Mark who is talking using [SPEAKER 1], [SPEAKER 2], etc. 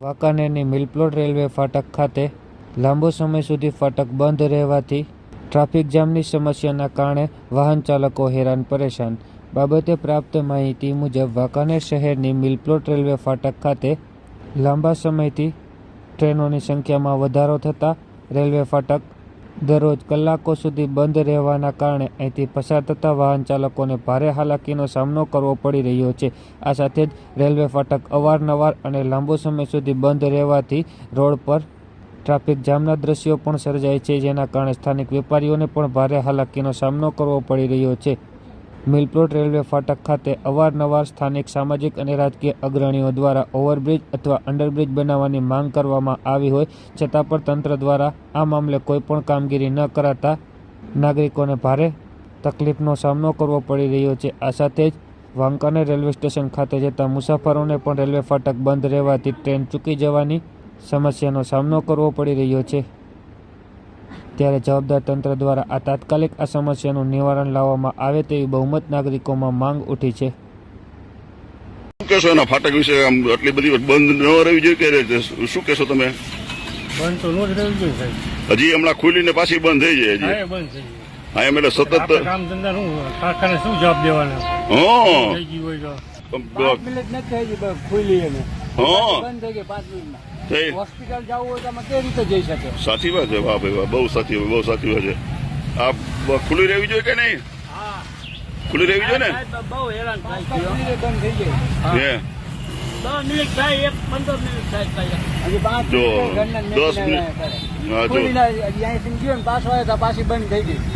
[SPEAKER 1] વાંકાનેરની મિલપ્લોટ railway ફાટક ખાતે લાંબો સમય સુધી ફાટક બંધ રહેવાથી ટ્રાફિક જામની સમસ્યાના કારણે વાહન ચાલકો હેરાન પરેશાન. બાબતે પ્રાપ્ત માહિતી મુજબ વાંકાનેર શહેરની મિલપ્લોટ રેલવે ફાટક ખાતે લાંબા સમયથી ટ્રેનોની સંખ્યામાં વધારો થતાં રેલવે ફાટક દરરોજ કલાકો સુધી બંધ રહેવાના કારણે અહીંથી પસાર થતા વાહન ચાલકોને ભારે હાલાકીનો સામનો કરવો પડી રહ્યો છે. આ સાથે જ રેલવે ફાટક અવારનવાર અને લાંબો સમય સુધી બંધ રહેવાથી રોડ પર ટ્રાફિક જામના દ્રશ્યો પણ સર્જાય છે, જેના કારણે સ્થાનિક વેપારીઓને પણ ભારે હાલાકીનો સામનો કરવો પડી રહ્યો છે. મિલપ્લોટ રેલવે ફાટક ખાતે અવારનવાર સ્થાનિક સામાજિક અને રાજકીય અગ્રણીઓ દ્વારા ઓવરબ્રિજ અથવા અંડરબ્રિજ બનાવવાની માંગ કરવામાં આવી હોય છતાં પણ તંત્ર દ્વારા આ મામલે કોઈ પણ કામગીરી ન કરાતા નાગરિકોને ભારે તકલીફનો સામનો કરવો પડી રહ્યો છે. આ સાથે જ વાંકાનેર રેલવે સ્ટેશન ખાતે જતા મુસાફરોને પણ રેલવે ફાટક બંધ રહેવાથી ટ્રેન ચૂકી જવાની સમસ્યાનો સામનો કરવો પડી રહ્યો છે. ત્યારે જવાબદાર તંત્ર દ્વારા આ તાત્કાલિક આ સમસ્યાનું નિવારણ લાવવામાં આવે તેવી બહુમત નાગરિકોમાં માંગ ઉઠી છે.
[SPEAKER 2] શું કહેશો એના ફાટક વિશે? આમ આટલી બધી બંધ ન રહેવી જોઈએ કે શું કહેશો તમે?
[SPEAKER 3] બંધ તો નો જ રહેવું જોઈએ સાહેબ.
[SPEAKER 2] હજી હમણાં ખુલીને પાછી બંધ થઈ જાય હજી.
[SPEAKER 3] બંધ થઈ જાય.
[SPEAKER 2] હા, એમ એટલે સતત
[SPEAKER 3] કામ ધંધા શું કારખાને શું જવાબ દેવાના?
[SPEAKER 2] હા,
[SPEAKER 3] થઈ ગયું હોય તો
[SPEAKER 4] 5 મિનિટ નથી થઈ ખુલી એને
[SPEAKER 2] હા
[SPEAKER 4] બંધ થઈ ગઈ 5 મિનિટમાં.
[SPEAKER 2] થઈ.
[SPEAKER 4] હોસ્પિટલ જવું હોય તો આમાં કેવી રીતે જઈ શકે?
[SPEAKER 2] સાચી વાત છે. વાહ ભાઈ વાહ, બહુ સાચી વાત છે. આ ખુલ્લી રહેવી જોઈએ કે નહીં? ખુલ્લી રહેવી જોઈએ ને?
[SPEAKER 4] બહુ હેરાન થાય છે. 5 મિનિટ બંધ થઈ જાય.
[SPEAKER 2] હે
[SPEAKER 4] 10 મિનિટ થાય, 15 મિનિટ થાય. હજી 5
[SPEAKER 2] જો
[SPEAKER 4] મિનિટ
[SPEAKER 2] 10 મિનિટ. હા, જો
[SPEAKER 4] ખુલીને અહીંયાથી ગયો ને પાછો આવ્યો તો પાછી બંધ થઈ ગઈ.